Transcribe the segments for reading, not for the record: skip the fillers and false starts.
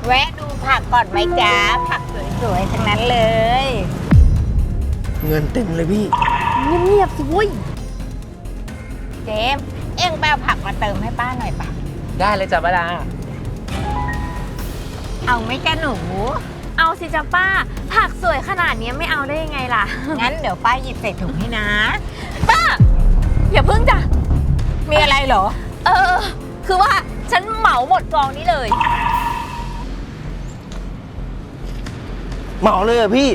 แวะดูผักก่อนไหมจ๊ะผักสวยๆทั้งนั้นเลยเงินเต็มเลยพี่เงียบๆสิเว้ยเจมส์เอ็งไปเอาผักมาเติมให้ป้าหน่อยป่ะได้เลยจ้ะป้าดาเอาไหมจ๊ะหนูเอาสิจ้ะป้า ผักสวยขนาดนี้ไม่เอาได้ยังไงล่ะงั้นเดี๋ยวป้าหยิบใส่ถุงให้นะป้า อย่าพึ่งจ้ะมีอะไรเหรอคือว่าฉันเหมาหมดกองนี้เลยเหมาเลยเหรอพี่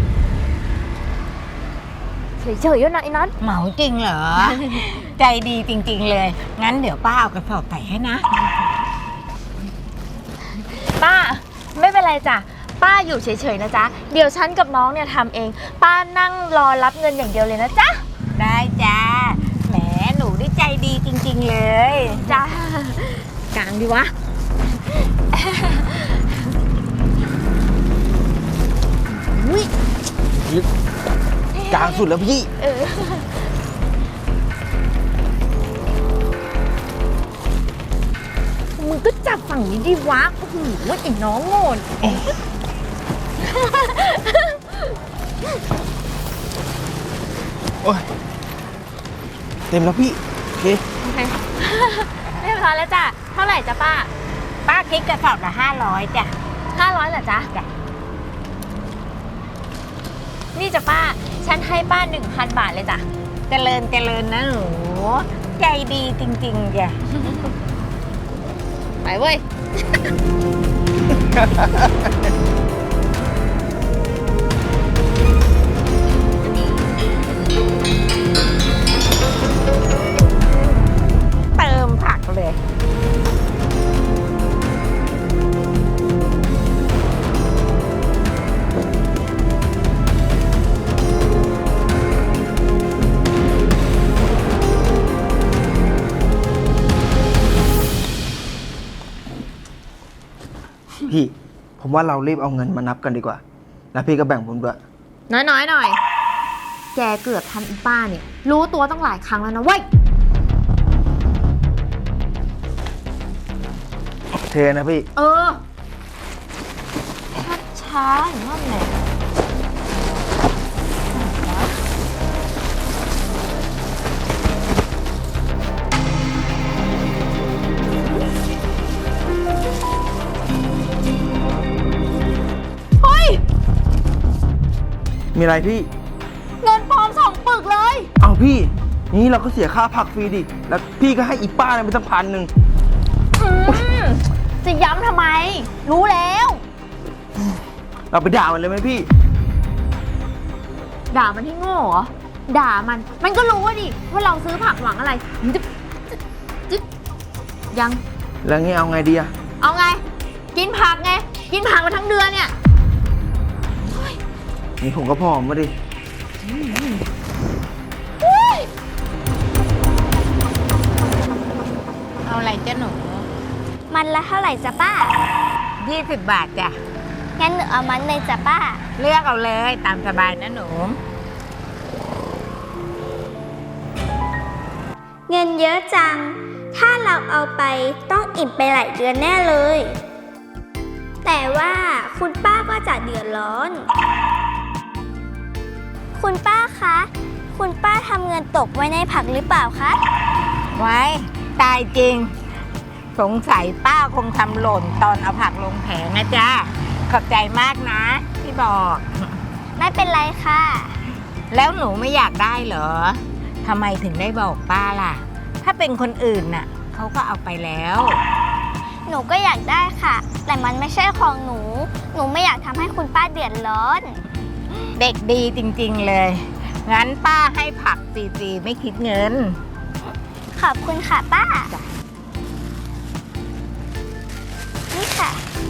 เฉยๆนะไอ้นัทเหมาจริงเหรอ ใจดีจริงๆเลย งั้นเดี๋ยวป้าเอากระสอบใส่ให้นะป้า ไม่เป็นไรจ้ะ ป้าอยู่เฉยๆนะจ๊ะ เดี๋ยวฉันกับน้องเนี่ยทำเอง ป้านั่งรอรับเงินอย่างเดียวเลยนะจ๊ะได้จ้า แหมหนูได้ใจดีจริงๆเลยจ้า กลางดีวะ อุ้ยกลางสุดแล้วพี่มึงก็จับฝั่งนี้ดิวะ โอ้โหไอ้น้องโง่นโอ้ย เต็มแล้วพี่ โอเคเรียบร้อยแล้วจ้ะ เท่าไหร่จ้ะป้าป้าคิดกระสอบละ500จ้ะ 500เหรอจ๊ะ นี่จ้ะป้า ฉันให้ป้า 1,000 บาทเลยจ้ะเจริญเจริญนะหนู ใจดีจริงๆจ้ะไปเว้ยเติมผักเลยพี่ ผมว่าเรารีบเอาเงินมานับกันดีกว่า แล้วพี่ก็แบ่งผมด้วยน้อยๆหน่อย แกเกือบทำอีป้าเนี่ย รู้ตัวตั้งหลายครั้งแล้วนะเว้ยเทนะพี่ช้าๆอย่างนั้นแหละ เฮ้ยมีอะไรพี่เงินปลอม2 ปึกเลยเอาพี่ นี่เราก็เสียค่าผักฟรีดิ แล้วพี่ก็ให้อีป้าเนี่ยไปตั้ง1,000 จะย้ำทำไม รู้แล้วเราไปด่ามันเลยไหมพี่ด่ามันให้โง่เหรอ ด่ามัน มันก็รู้ว่าดิ ว่าเราซื้อผักหวังอะไรจึ๊บยังแล้วงี้เอาไงดีอะเอาไง กินผักไง กินผักมาทั้งเดือนเนี่ยนี่ผมก็พอมาดิเอาอะไรจ้ะหนูมันละเท่าไหร่จ๊ะป้า 20 บาทจ้ะงั้นหนูเอามันเลยจ้ะป้าเลือกเอาเลยตามสบายนะหนูเงินเยอะจัง ถ้าเราเอาไปต้องอิ่มไปหลายเดือนแน่เลย แต่ว่าคุณป้าก็จะเดือดร้อน คุณป้าคะ คุณป้าทำเงินตกไว้ในผักหรือเปล่าคะไว้ ตายจริง สงสัยป้าคงทำหล่นตอนเอาผักลงแผงนะจ๊ะ ขอบใจมากนะที่บอกไม่เป็นไรค่ะแล้วหนูไม่อยากได้เหรอ ทำไมถึงได้บอกป้าล่ะ ถ้าเป็นคนอื่นน่ะเขาก็เอาไปแล้วหนูก็อยากได้ค่ะ แต่มันไม่ใช่ของหนู หนูไม่อยากทำให้คุณป้าเดือดร้อนเด็กดีจริงๆเลย งั้นป้าให้ผักฟรีๆไม่คิดเงินขอบคุณค่ะป้า นี่ค่ะ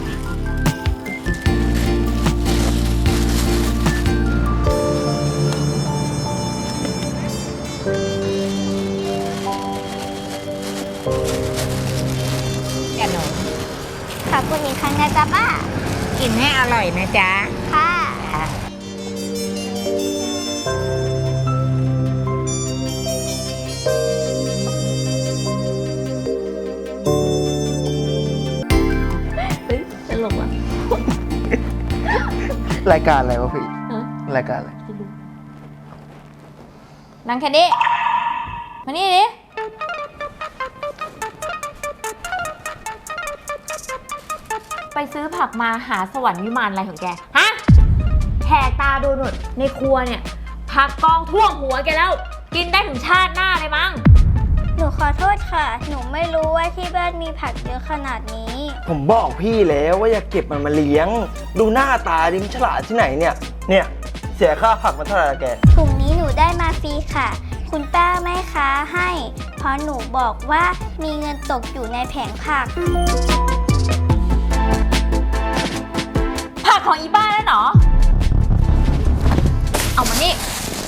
จ้ะหนูขอบคุณอีกครั้งนะจ๊ะป้ากินให้อร่อยนะจ๊ะค่ะตลกว่ะรายการอะไรวะพี่ รายการอะไรนั่งแค่นี้มานี่ดิไปซื้อผักมาหาสวรรค์วิมานอะไรของแก ฮะแหกตาดูหนุดในครัวเนี่ย ผักกองท่วมหัวแกแล้ว กินได้ถึงชาติหน้าเลยมั้งหนูขอโทษค่ะ หนูไม่รู้ว่าที่บ้านมีผักเยอะขนาดนี้ผมบอกพี่แล้วว่าอย่าเก็บมันมาเลี้ยง ดูหน้าตาดิมนฉลาดที่ไหนเนี่ย เสียค่าผักมาเท่าไหร่ละแกถุงนี้หนูได้มาฟรีค่ะ คุณป้าแม่ค้าให้ เพราะหนูบอกว่ามีเงินตกอยู่ในแผงผักผักของอีบ้าแล้วเหรอ เอามานี่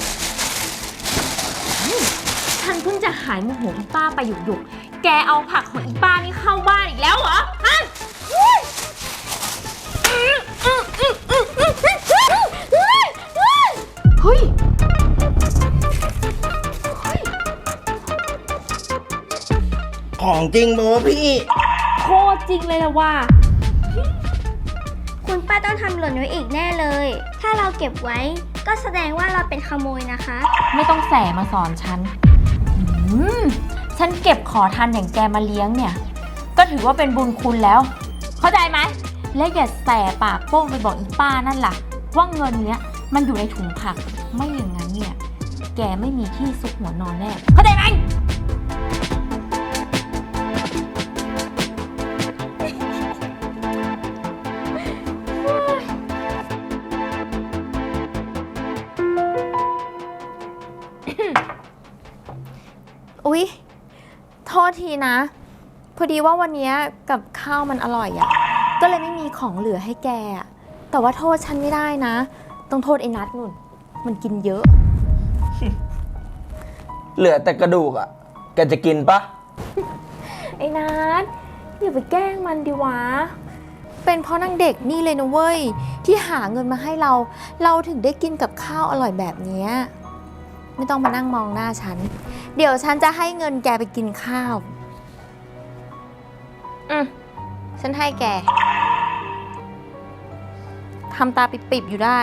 ฉันเพิ่งจะหายโมโหอีป้าไปหยุกๆแกเอาผักของอีป้านี่เข้าบ้านอีกแล้วเหรอ ฮะเฮ้ยของจริงโมพี่โคตรจริงเลยละว่าคุณป้าต้องทำหล่นไว้อีกแน่เลย ถ้าเราเก็บไว้ก็แสดงว่าเราเป็นขโมยนะคะไม่ต้องแสมาสอนฉัน ฉันเก็บขอทานอย่างแกมาเลี้ยงเนี่ย ก็ถือว่าเป็นบุญคุณแล้ว เข้าใจไหม และอย่าแสปากโป้งไปบอกอีป้านั่นล่ะ ว่าเงินเนี้ยมันอยู่ในถุงผัก ไม่อย่างนั้นเนี่ย แกไม่มีที่ซุกหัวนอนแน่ เข้าใจไหม อุ๊ย โทษทีนะ พอดีว่าวันนี้กับข้าวมันอร่อยอะ่ะ ก็เลยไม่มีของเหลือให้แกอะแต่ว่าโทษฉันไม่ได้นะ ต้องโทษไอ้นัทนุ่น มันกินเยอะเหลือแต่กระดูกอะแกจะกินปะไอ้นัทอย่าไปแกล้งมันดิวะ เป็นเพราะนางเด็กนี่เลยนะเว้ย ที่หาเงินมาให้เรา เราถึงได้กินกับข้าวอร่อยแบบเนี้ยไม่ต้องมานั่งมองหน้าฉัน เดี๋ยวฉันจะให้เงินแกไปกินข้าว ฉันให้แก ทำตาปิบๆอยู่ได้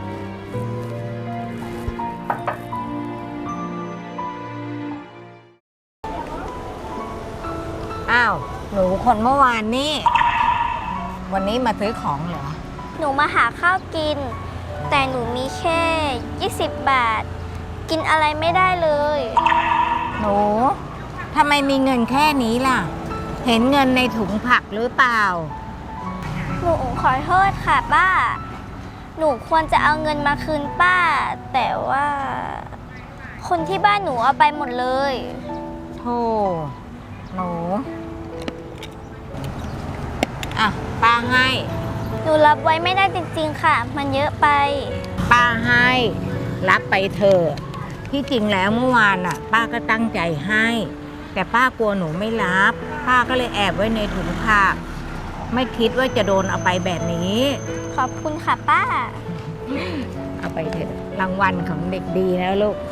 อ้าว หนูคนเมื่อวานนี่ วันนี้มาซื้อของเหรอหนูมาหาข้าวกิน แต่หนูมีแค่20 บาท กินอะไรไม่ได้เลยหนูทำไมมีเงินแค่นี้ล่ะ เห็นเงินในถุงผักหรือเปล่าหนูขอโทษค่ะป้า หนูควรจะเอาเงินมาคืนป้า แต่ว่า คนที่บ้านหนูเอาไปหมดเลยโธ่หนู อ่ะ ป้าให้หนูรับไว้ไม่ได้จริงๆค่ะ มันเยอะไปป้าให้ รับไปเถอะที่จริงแล้วเมื่อวานน่ะ ป้าก็ตั้งใจให้ แต่ป้ากลัวหนูไม่รับ ป้าก็เลยแอบไว้ในถุงผัก ไม่คิดว่าจะโดนเอาไปแบบนี้ขอบคุณค่ะป้าเอาไปเถอะรางวัลของเด็กดีนะลูก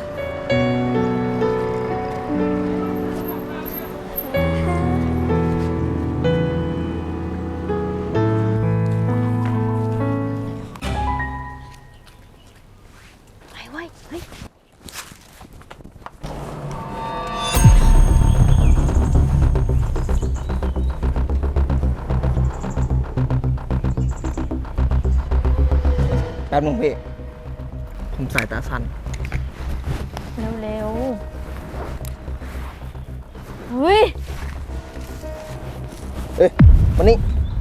ไปเว้ย เฮ้ยแป๊บนึงพี่ ผมสายตาสั้นเร็วๆ เฮ้ยเอ้ยมานี่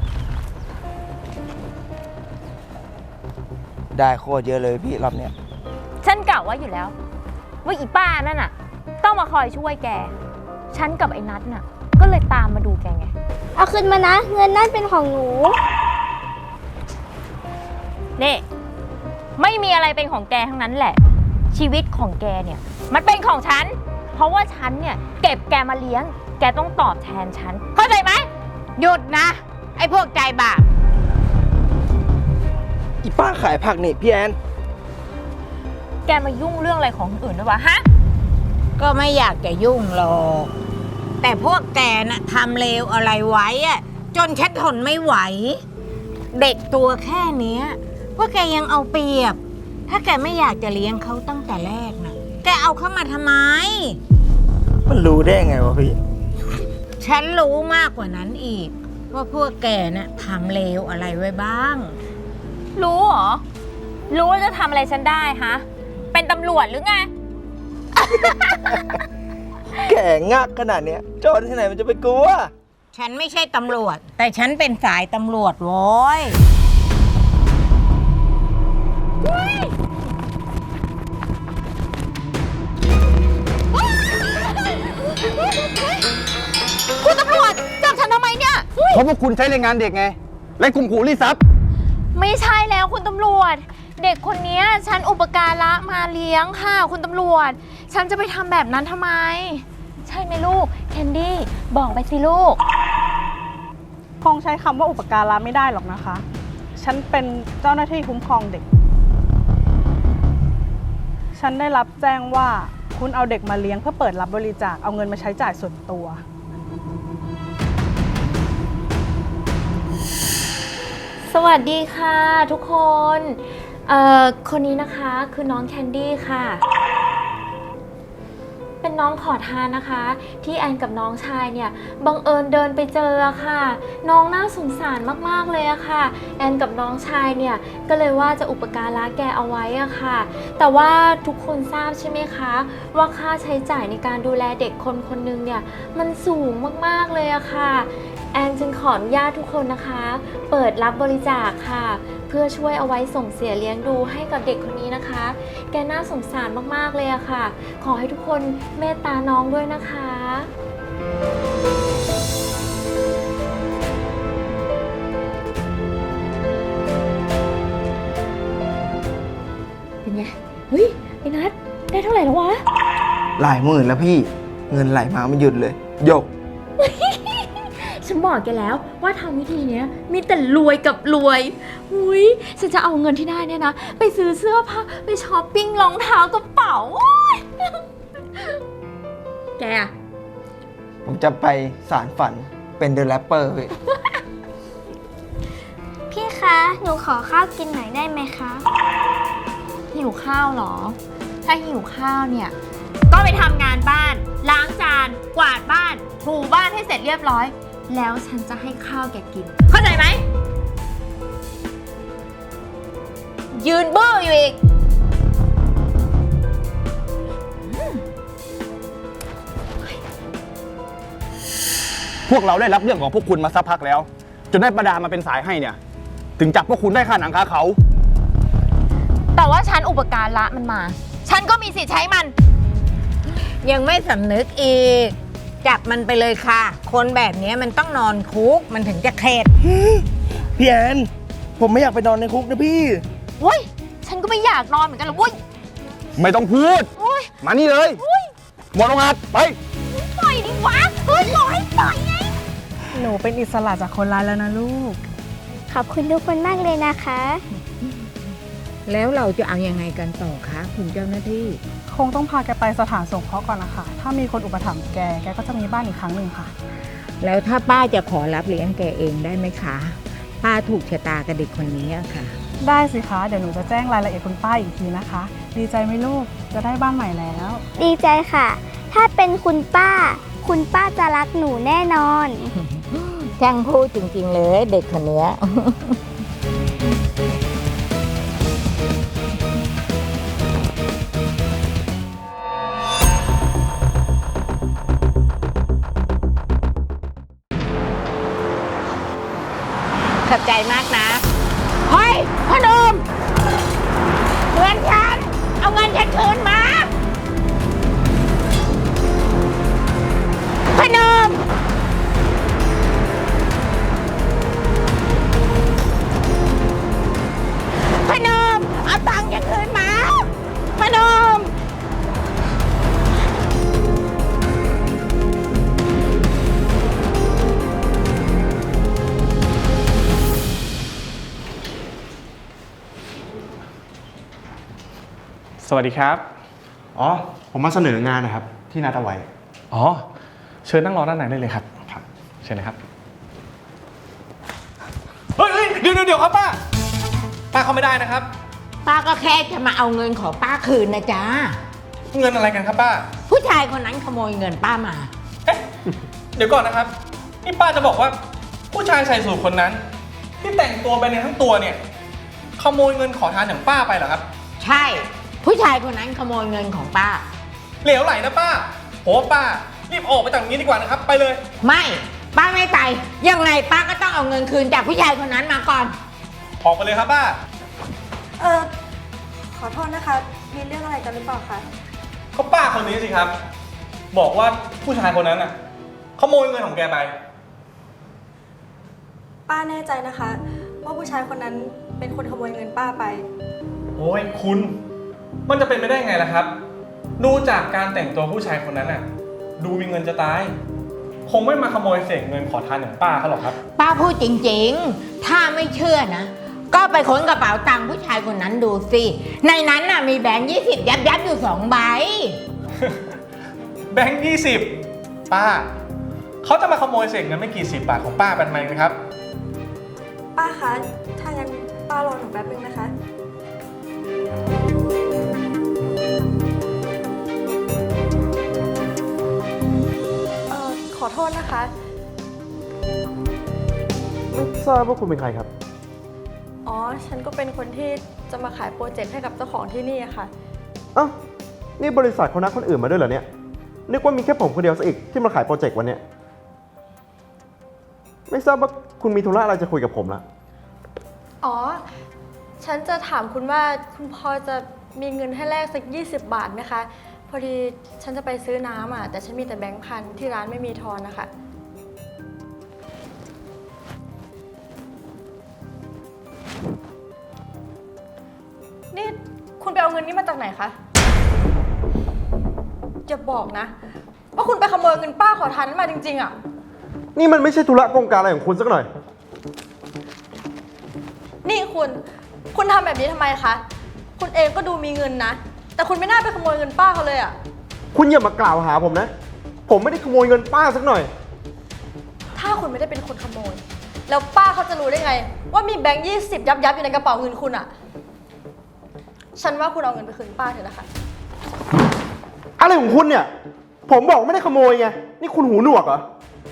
ได้โคตรเยอะเลยพี่รอบเนี้ยฉันกะว่าอยู่แล้ว ว่าอีป้านั่นน่ะ ต้องมาคอยช่วยแก ฉันกับไอ้นัทน่ะ ก็เลยตามมาดูแกไงเอาคืนมานะ เงินนั่นเป็นของหนูนี่ไม่มีอะไรเป็นของแกทั้งนั้นแหละ ชีวิตของแกเนี่ย มันเป็นของฉัน เพราะว่าฉันเนี่ยเก็บแกมาเลี้ยง แกต้องตอบแทนฉัน เข้าใจไหมหยุดนะ ไอ้พวกใจบาปอีป้าขายผักนี่พี่แอนแกมายุ่งเรื่องอะไรของคนอื่นด้วยวะฮะก็ไม่อยากจะยุ่งหรอก แต่พวกแกน่ะทำเลวอะไรไว้อะจนฉันทนไม่ไหวเด็กตัวแค่เนี้ยว่าแกยังเอาเปรียบ ถ้าแกไม่อยากจะเลี้ยงเขาตั้งแต่แรกนะแกเอาเข้ามาทำไมมันรู้ได้ไงวะพี่ฉันรู้มากกว่านั้นอีก ว่าพวกแกน่ะทำเลวอะไรไว้บ้างรู้เหรอ รู้ว่าจะทำอะไรฉันได้ฮะ เป็นตำรวจหรือไงแก่งักขนาดเนี้ยโจรที่ไหนมันจะไปกลัวฉันไม่ใช่ตำรวจ แต่ฉันเป็นสายตำรวจโว้ยคุณตำรวจจับฉันทำไมเนี่ยเพราะพวกคุณใช้แรงงานเด็กไง และข่มขู่รีดทรัพย์ไม่ใช่แล้วคุณตำรวจ เด็กคนนี้ฉันอุปการะมาเลี้ยงค่ะ คุณตำรวจ ฉันจะไปทำแบบนั้นทำไม ใช่ไหมลูกแคนดี้บอกไปสิลูกคงใช้คำว่าอุปการะไม่ได้หรอกนะคะ ฉันเป็นเจ้าหน้าที่คุ้มครองเด็ก ฉันได้รับแจ้งว่าคุณเอาเด็กมาเลี้ยงเพื่อเปิดรับบริจาคเอาเงินมาใช้จ่ายส่วนตัวสวัสดีค่ะทุกคน คนนี้นะคะคือน้องแคนดี้ค่ะ เป็นน้องขอทานนะคะ ที่แอนกับน้องชายเนี่ยบังเอิญเดินไปเจอค่ะ น้องน่าสงสารมากๆเลยอะค่ะ แอนกับน้องชายเนี่ยก็เลยว่าจะอุปการะแกเอาไว้อะค่ะ แต่ว่าทุกคนทราบใช่ไหมคะว่าค่าใช้จ่ายในการดูแลเด็กคนคนหนึ่งเนี่ยมันสูงมากๆเลยอะค่ะ แอนจึงขออนุญาตทุกคนนะคะ เปิดรับบริจาคค่ะ เพื่อช่วยเอาไว้ส่งเสียเลี้ยงดูให้กับเด็กคนนี้นะคะ แกน่าสงสารมากๆเลยอะค่ะ ขอให้ทุกคนเมตตาน้องด้วยนะคะ เป็นไง เฮ้ยไอ้นัทได้เท่าไหร่แล้ววะหลายหมื่นแล้วพี่ เงินไหลมาไม่หยุดเลยหยกฉันบอกแกแล้วว่าทำวิธีเนี้ยมีแต่รวยกับรวยหุยฉันจะเอาเงินที่ได้เนี่ยนะ ไปซื้อเสื้อผ้าไปช้อปปิ้งรองเท้ากระเป๋าโอ๊ยแกอะผมจะไปสารฝันเป็นเดอะแรปเปอร์พี่พี่คะ หนูขอข้าวกินหน่อยได้ไหมคะหิวข้าวเหรอ ถ้าหิวข้าวเนี่ย ก็ไปทำงานบ้าน ล้างจาน กวาดบ้าน ถูบ้านให้เสร็จเรียบร้อย แล้วฉันจะให้ข้าวแกกิน เข้าใจไหม ยืนเบ้ออยู่อีกพวกเราได้รับเรื่องของพวกคุณมาสักพักแล้ว จนได้ประดามาเป็นสายให้เนี่ย ถึงจับพวกคุณได้ค่าหนังคาเขาแต่ว่าฉันอุปการะมันมา ฉันก็มีสิทธิ์ใช้มันยังไม่สำนึกอีก จับมันไปเลยค่ะ คนแบบนี้มันต้องนอนคุก มันถึงจะเข็ดพี่แอนผมไม่อยากไปนอนในคุกนะพี่เว้ย ฉันก็ไม่อยากนอนเหมือนกันหรอกเว้ยไม่ต้องพูดโอ๊ยมานี่เลย หมดโรงงานไปปล่อยดิวะ เฮ้ยบอกให้ปล่อยไงหนูเป็นอิสระจากคนร้ายแล้วนะลูกขอบคุณทุกคนมากเลยนะคะแล้วเราจะเอายังไงกันต่อคะคุณเจ้าหน้าที่คงต้องพาแกไปสถานสงเคราะห์ก่อนนะคะ ถ้ามีคนอุปถัมภ์แกก็จะมีบ้านอีกครั้งหนึ่งค่ะแล้วถ้าป้าจะขอรับเลี้ยงแกเองได้ไหมคะ ป้าถูกชะตากับเด็กคนนี้อะค่ะได้สิคะ เดี๋ยวหนูจะแจ้งรายละเอียดคุณป้าอีกทีนะคะ ดีใจไหมลูก จะได้บ้านใหม่แล้วดีใจค่ะ ถ้าเป็นคุณป้าจะรักหนูแน่นอนช่างพูดจริงๆเลยเด็กคนเนี้ย ขอบใจมากนะ เฮ้ยพ่อหนุ่มเงินฉัน เอาเงินฉันคืนมาพ่อหนุ่มพ่อหนุ่มเอาตังค์ฉันคืนมาพ่อหนุ่มสวัสดีครับอ๋อ ผมมาเสนองานนะครับ ที่นัดเอาไว้อ๋อ เชิญนั่งรอด้านในได้เลยครับ ครับ เชิญนะครับ เฮ้ยเดี๋ยวดี๋ยวครับป้า ป้าเข้าไม่ได้นะครับป้าก็แค่จะมาเอาเงินของป้าคืนนะจ๊ะเงินอะไรกันครับป้าผู้ชายคนนั้นขโมยเงินป้ามาเอ๊ะ เดี๋ยวก่อนนะครับ นี่ป้าจะบอกว่าผู้ชายใส่สูทคนนั้น ที่แต่งตัวไปในทั้งตัวเนี่ยขโมยเงินขอทานอย่างป้าไปเหรอครับใช่ ผู้ชายคนนั้นขโมยเงินของป้าเหลวไหลนะป้าโหป้ารีบออกไปจากนี้ดีกว่านะครับ ไปเลยไม่ป้าไม่ไปยังไงป้าก็ต้องเอาเงินคืนจากผู้ชายคนนั้นมาก่อนออกไปเลยครับป้าขอโทษนะคะ มีเรื่องอะไรกันหรือเปล่าคะก็ป้าคนนี้สิครับ บอกว่าผู้ชายคนนั้นน่ะขโมยเงินของแกไปป้าแน่ใจนะคะ ว่าผู้ชายคนนั้นเป็นคนขโมยเงินป้าไปโอ้ยคุณมันจะเป็นไปได้ไงล่ะครับ ดูจากการแต่งตัวผู้ชายคนนั้นน่ะดูมีเงินจะตายคงไม่มาขโมยเศษเงินขอทานอย่างป้าเขาหรอกครับป้าพูดจริงๆ ถ้าไม่เชื่อนะ ก็ไปค้นกระเป๋าตังค์ผู้ชายคนนั้นดูสิ ในนั้นน่ะมีแบงค์20 ยับอยู่2 ใบแบงค์20ป้าเขาจะมาขโมยเศษเงินไม่กี่10 บาทของป้าเป็นไหมครับป้าคะ ถ้างั้นป้ารอหนูแป๊บนึงนะคะ ขอโทษนะคะไม่ทราบว่าคุณเป็นใครครับอ๋อ ฉันก็เป็นคนที่จะมาขายโปรเจกต์ให้กับเจ้าของที่นี่อะค่ะอ้าว นี่บริษัทเขานัดคนอื่นมาด้วยเหรอเนี่ย นึกว่ามีแค่ผมคนเดียวซะอีกที่มาขายโปรเจกต์วันเนี้ยไม่ทราบว่าคุณมีธุระอะไรจะคุยกับผมละอ๋อ ฉันจะถามคุณว่าคุณพอจะมีเงินให้แลกสัก20 บาทไหมคะ พอดีฉันจะไปซื้อน้ำอ่ะ แต่ฉันมีแต่แบงค์พันที่ร้านไม่มีทอนนะคะ นี่คุณไปเอาเงินนี้มาจากไหนคะอย่าบอกนะ ว่าคุณไปขโมยเงินป้าขอทานนั้นมาจริงๆอ่ะนี่มันไม่ใช่ธุระกงการอะไรของคุณสักหน่อยนี่คุณทำแบบนี้ทำไมคะ คุณเองก็ดูมีเงินนะ แต่คุณไม่น่าไปขโมยเงินป้าเขาเลยอ่ะคุณอย่ามากล่าวหาผมนะ ผมไม่ได้ขโมยเงินป้าสักหน่อยถ้าคุณไม่ได้เป็นคนขโมย แล้วป้าเขาจะรู้ได้ไง ว่ามีแบงค์20 ยับอยู่ในกระเป๋าเงินคุณอ่ะ ฉันว่าคุณเอาเงินไปคืนป้าเถอะนะคะอะไรของคุณเนี่ย ผมบอกไม่ได้ขโมยไง นี่คุณหูหนวกเหรอ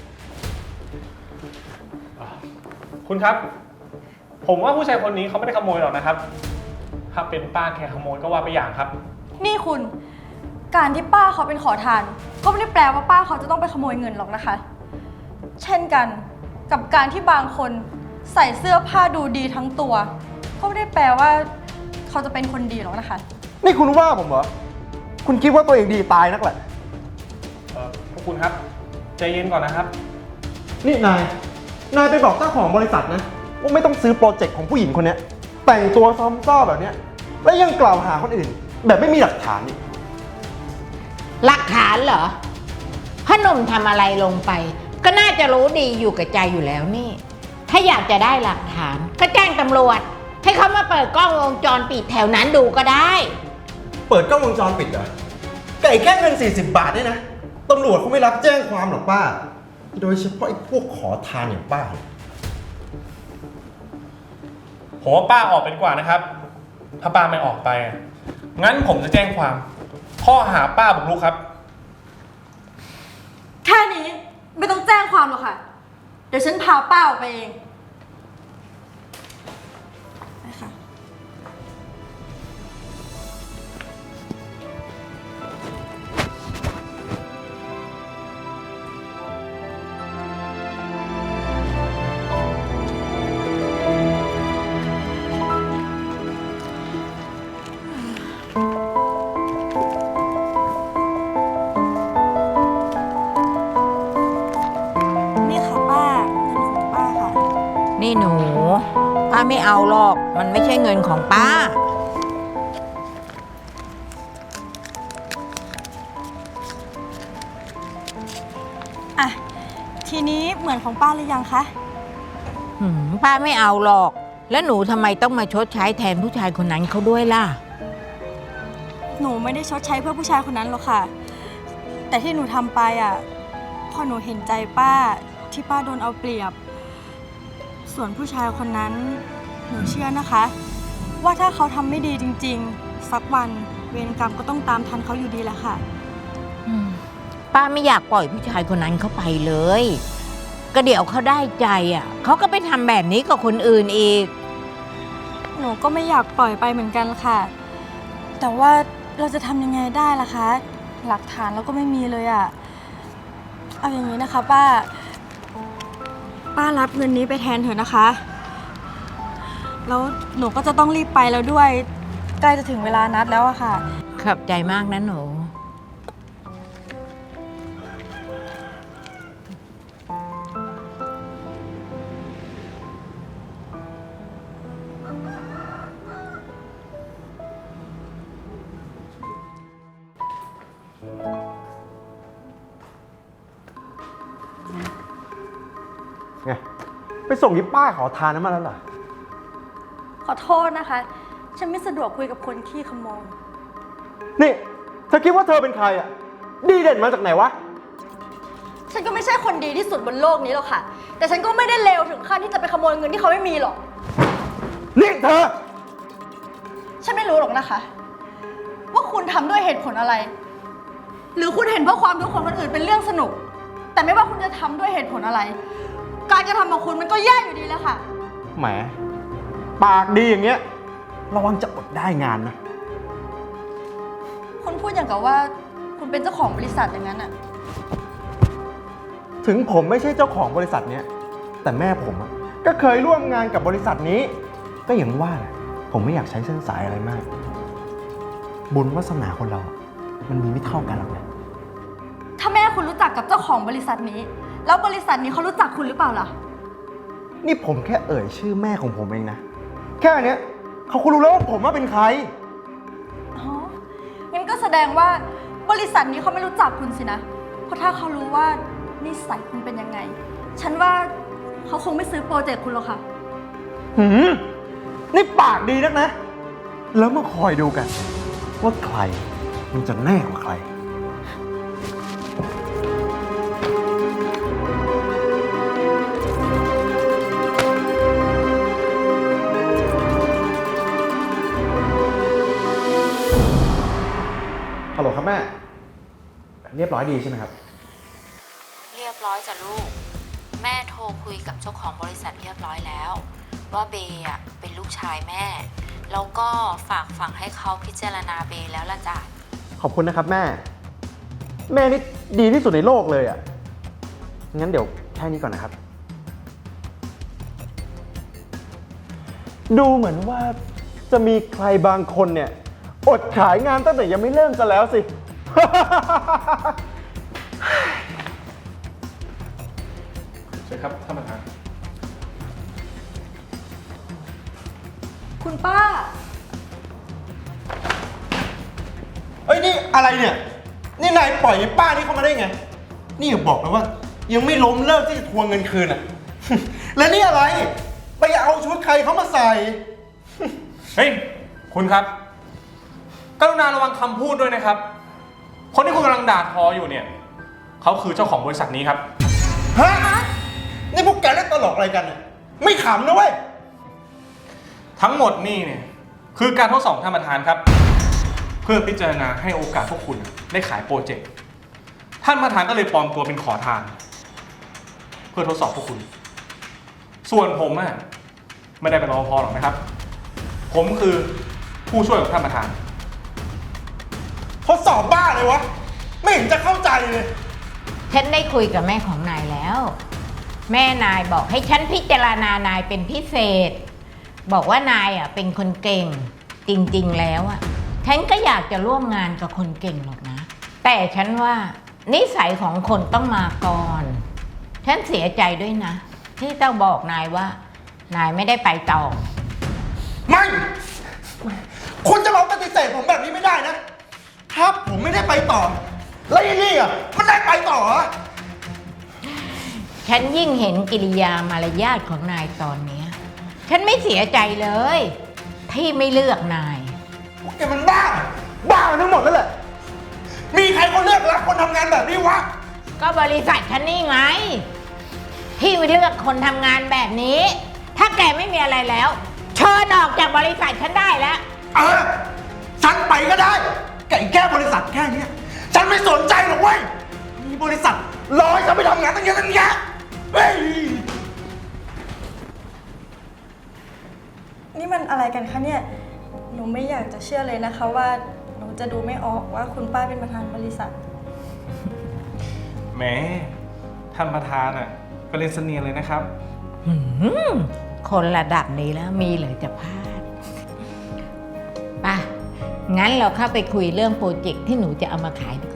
คุณครับ ผมว่าผู้ชายคนนี้เขาไม่ได้ขโมยหรอกนะครับ ถ้าเป็นป้าแค่ขโมยก็ว่าไปอย่างครับนี่คุณ การที่ป้าเขาเป็นขอทาน ก็ไม่ได้แปลว่าป้าเขาจะต้องไปขโมยเงินหรอกนะคะ เช่นกันกับการที่บางคนใส่เสื้อผ้าดูดีทั้งตัว ก็ไม่ได้แปลว่าเขาจะเป็นคนดีหรอกนะคะนี่คุณว่าผมเหรอ คุณคิดว่าตัวเองดีตายนักแหละพวกคุณครับใจเย็นก่อนนะครับนี่นายไปบอกเจ้าของบริษัทนะว่าไม่ต้องซื้อโปรเจกต์ของผู้หญิงคนเนี้ยแต่งตัวซ้อมซ่อแบบเนี้ยและยังกล่าวหาคนอื่น แบบไม่มีหลักฐานอีกหลักฐานเหรอพ่อหนุ่มทำอะไรลงไป ก็น่าจะรู้ดีอยู่กับใจอยู่แล้วนี่ ถ้าอยากจะได้หลักฐานก็แจ้งตำรวจ ให้เขามาเปิดกล้องวงจรปิดแถวนั้นดูก็ได้เปิดกล้องวงจรปิดเหรอไก่แค่เงิน40 บาทเนี่ยนะตำรวจเขาไม่รับแจ้งความหรอกป้า โดยเฉพาะไอ้พวกขอทานอย่างป้าผมว่าป้าออกไปดีกว่านะครับ ถ้าป้าไม่ออกไป งั้นผมจะแจ้งความข้อหาป้าบุกรุกครับแค่นี้ไม่ต้องแจ้งความหรอกค่ะ เดี๋ยวฉันพาป้าออกไปเองไปค่ะ นี่ค่ะป้า เงินของป้าค่ะนี่หนูป้าไม่เอาหรอก มันไม่ใช่เงินของป้าอ่ะ ทีนี้เหมือนของป้าหรือยังคะป้าไม่เอาหรอก แล้วหนูทำไมต้องมาชดใช้แทนผู้ชายคนนั้นเขาด้วยล่ะหนูไม่ได้ชดใช้เพื่อผู้ชายคนนั้นหรอกค่ะ แต่ที่หนูทำไปอ่ะพอหนูเห็นใจป้าที่ป้าโดนเอาเปรียบ ส่วนผู้ชายคนนั้นหนูเชื่อนะคะ ว่าถ้าเขาทำไม่ดีจริงๆ สักวันเวรกรรมก็ต้องตามทันเขาอยู่ดีแหละค่ะป้าไม่อยากปล่อยผู้ชายคนนั้นเข้าไปเลย ก็เดี๋ยวเขาได้ใจอ่ะเขาก็ไปทำแบบนี้กับคนอื่นอีกหนูก็ไม่อยากปล่อยไปเหมือนกันค่ะ แต่ว่าเราจะทำยังไงได้ล่ะคะ หลักฐานเราก็ไม่มีเลยอะเอาอย่างนี้นะคะป้ารับเงินนี้ไปแทนเถอะนะคะ แล้วหนูก็จะต้องรีบไปแล้วด้วย ใกล้จะถึงเวลานัดแล้วอะค่ะขอบใจมากนะหนูไง ไปส่งที่ป้าขอทานนั้นมาแล้วเหรอขอโทษนะคะ ฉันไม่สะดวกคุยกับคนขี้ขโมยนี่เธอคิดว่าเธอเป็นใครอ่ะ ดีเด่นมาจากไหนวะฉันก็ไม่ใช่คนดีที่สุดบนโลกนี้หรอกค่ะ แต่ฉันก็ไม่ได้เลวถึงขั้นที่จะไปขโมยเงินที่เขาไม่มีหรอกนี่เธอฉันไม่รู้หรอกนะคะ ว่าคุณทำด้วยเหตุผลอะไร หรือคุณเห็นว่าความทุกข์ของคนอื่นเป็นเรื่องสนุก แต่ไม่ว่าคุณจะทำด้วยเหตุผลอะไร การกระทำของคุณมันก็แย่อยู่ดีแล้วค่ะแหม ปากดีอย่างเงี้ย ระวังจะอดได้งานนะคุณพูดอย่างกับว่าคุณเป็นเจ้าของบริษัทอย่างนั้นอะถึงผมไม่ใช่เจ้าของบริษัทเนี้ย แต่แม่ผมอะก็เคยร่วมงานกับบริษัทนี้ ก็อย่างว่าแหละผมไม่อยากใช้เส้นสายอะไรมาก บุญวาสนาคนเรา มันมีไม่เท่ากันหรอกนะถ้าแม่คุณรู้จักกับเจ้าของบริษัทนี้ แล้วบริษัทนี้เขารู้จักคุณหรือเปล่าล่ะนี่ผมแค่เอ่ยชื่อแม่ของผมเองนะ แค่เนี้ยเขาคงรู้แล้วว่าผมว่าเป็นใครอ๋อ งั้นก็แสดงว่าบริษัทนี้เขาไม่รู้จักคุณสินะ เพราะถ้าเขารู้ว่านิสัยคุณเป็นยังไง ฉันว่าเขาคงไม่ซื้อโปรเจกต์คุณหรอกค่ะหืม นี่ปากดีนักนะ แล้วมาคอยดูกัน ว่าใครมันจะแน่กว่าใคร ฮัลโหลครับแม่ เรียบร้อยดีใช่ไหมครับเรียบร้อยจ้ะลูก แม่โทรคุยกับเจ้าของบริษัทเรียบร้อยแล้ว ว่าเบย์อะเป็นลูกชายแม่ แล้วก็ฝากฝังให้เขาพิจารณาเบย์แล้วล่ะจ้ะขอบคุณนะครับแม่ แม่นี่ดีที่สุดในโลกเลยอ่ะ งั้นเดี๋ยวแค่นี้ก่อนนะครับ ดูเหมือนว่าจะมีใครบางคนเนี่ย อดขายงานตั้งแต่ยังไม่เริ่มซะแล้วสิใช่ครับท่านประธานคุณป้าเอ้ยนี่อะไรเนี่ย นี่นายปล่อยไอ้ป้านี่เข้ามาได้ไง นี่อย่าบอกนะว่า ยังไม่ล้มเลิกที่จะทวงเงินคืนอ่ะ แล้วนี่อะไร ไปเอาชุดใครเขามาใส่เฮ้ย คุณครับ กรุณาระวังคำพูดด้วยนะครับ คนที่คุณกำลังด่าทออยู่เนี่ย เขาคือเจ้าของบริษัทนี้ครับฮะ นี่พวกแกเล่นตลกอะไรกันเนี่ยไม่ขำนะเว้ยทั้งหมดนี่เนี่ยคือการทดสอบท่านประธานครับ เพื่อพิจารณาให้โอกาสพวกคุณได้ขายโปรเจกต์ ท่านประธานก็เลยปลอมตัวเป็นขอทาน เพื่อทดสอบพวกคุณ ส่วนผมอะไม่ได้เป็นรปภหรอกนะครับ ผมคือผู้ช่วยของท่านประธานทดสอบบ้าเลยวะ ไม่เห็นจะเข้าใจเลยฉันได้คุยกับแม่ของนายแล้ว แม่นายบอกให้ฉันพิจารณานายเป็นพิเศษ บอกว่านายอ่ะเป็นคนเก่ง จริงๆแล้วอ่ะฉันก็อยากจะร่วมงานกับคนเก่งหรอกนะ แต่ฉันว่านิสัยของคนต้องมาก่อน ฉันเสียใจด้วยนะ ที่ต้องบอกนายว่า นายไม่ได้ไปต่อไม่ คุณจะมาปฏิเสธผมแบบนี้ไม่ได้นะ ถ้าผมไม่ได้ไปต่อ แล้วไอ้นี่อ่ะมันได้ไปต่อเหรอฉันยิ่งเห็นกิริยามารยาทของนายตอนเนี้ยฉันไม่เสียใจเลย ที่ไม่เลือกนายพวกแกมันบ้า บ้ากันทั้งหมดแล้วแหละ มีใครเขาเลือกรับคนทำงานแบบนี้วะก็บริษัทฉันนี่ไง ที่ไม่เลือกคนทำงานแบบนี้ ถ้าแกไม่มีอะไรแล้วเชิญออกจากบริษัทฉันได้แล้วฉันไปก็ได้ไก่แค่บริษัทแค่เนี้ยฉันไม่สนใจหรอกเว้ย มีบริษัทรอให้ฉันไปทำงานตั้งเยอะตั้งแยะเฮ้ยนี่มันอะไรกันคะเนี่ย หนูไม่อยากจะเชื่อเลยนะคะว่าหนูจะดูไม่ออกว่าคุณป้าเป็นประธานบริษัทแหมท่านประธานอ่ะก็เล่นเสนียนเลยนะครับคนระดับนี้แล้วมีเหลือจะพลาดป่ะ งั้นเราเข้าไปคุยเรื่องโปรเจกต์ที่หนูจะเอามาขายดีกว่า